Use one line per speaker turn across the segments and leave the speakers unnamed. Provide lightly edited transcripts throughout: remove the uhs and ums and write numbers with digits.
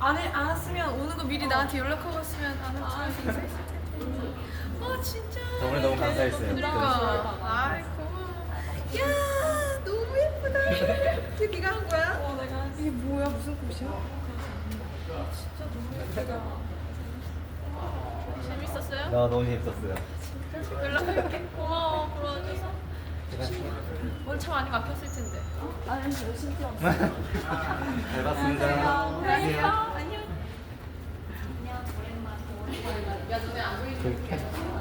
안 왔으면 오는 거 미리 나한테 연락하고 왔으면 안 왔지. 인사했을 텐데. 아 진짜.
오늘 너무 감사했어요.
그러니까. 아이 고마워. 야 너무 예쁘다. 이게 네가 한 거야? 내가. 이게 뭐야 무슨 꽃이야? 진짜 너무 예쁘다. 재밌었어요?
너무 재밌었어요.
연락할게. 고마워 불러줘서. 오늘 차 많이 막혔을 텐데. 아니 열심히 뛰었어.
잘 봤습니다.
안녕. 안녕. 야 너네 안 보이지?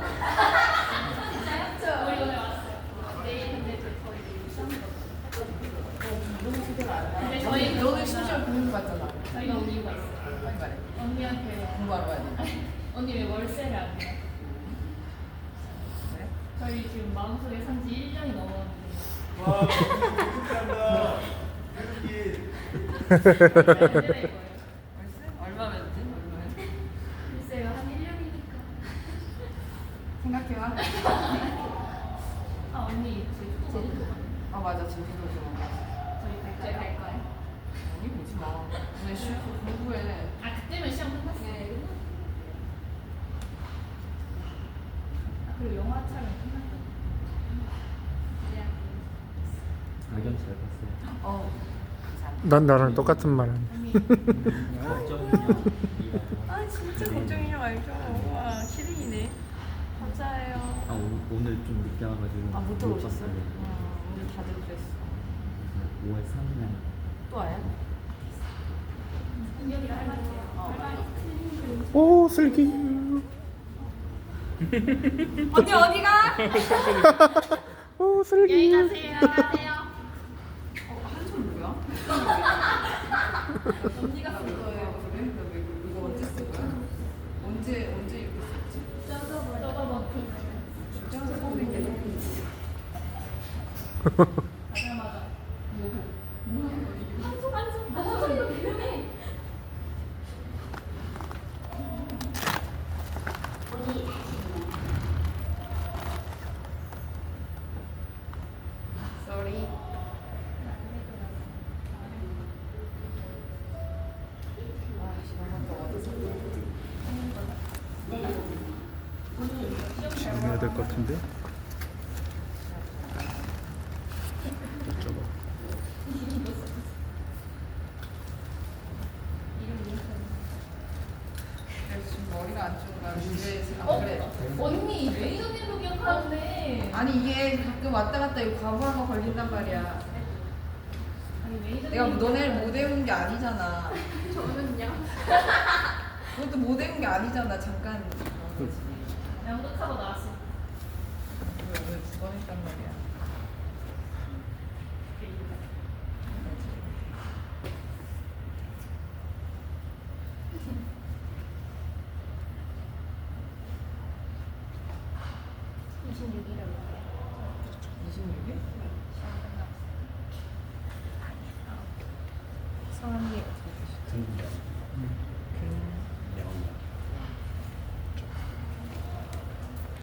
저희 너는 심지어 공부 갔잖아.
저희가 온 이유가 있어요.
빨리 말해.
언니한테
공부하러 가야 돼.
언니 왜 월세를 안 해요?
그래?
저희 지금 마음속에 산지 1년이 넘었는데
와, 축하한다.
잘 되는 거예요.
월세? 얼마면지? 얼마야?
글쎄요, 한 1년이니까.
생각해봐.
아, 언니 제주도
아 맞아 제주도 좀.
저희 갈 거예요.
아니 보지 마. 오늘 쉬고 공부해.
아, 그때면 시험 끝났어요. 아, 그리고 영화 촬영 끝났거든요.
악연 잘 봤어요.
감사합니다.
난 나랑 똑같은 말 하네.
아 진짜 걱정이냐 알죠? 와 키링이네. 감사해요.
오늘 좀 늦게 와가지고.
아 못 들어오셨어요?
봤어요.
오늘 다들 그랬어.
5월 3일.
또 와요?
은경이랑 할 말이에요.
오 슬기.
언니 어디가?
오 슬기.
가세요. 가세요.
한손 뭐야? 언니가 쓴 거예요. 그래? 이거 언제 쓴 거야? 언제 이렇게 썼지?
뜯어먹고.
진짜 처음인 게 너무.
가자마자 한손 때문에.
Sorry.
정리해야 될 것 같은데. 어쩌고.
지금 머리가 안 좋은가? 그래.
언니 매니저님 로기억하는데
아니 이게 가끔 왔다 갔다 이거 과부하가 걸린단 말이야.
아니 매니저님
내가 너네를 못 외운 게 아니잖아.
저는요.
그것도 못 외운 게 아니잖아. 잠깐.
양극하고 나왔어.
오늘 2번 했단 말이야. 성함이 어떻게 되시죠?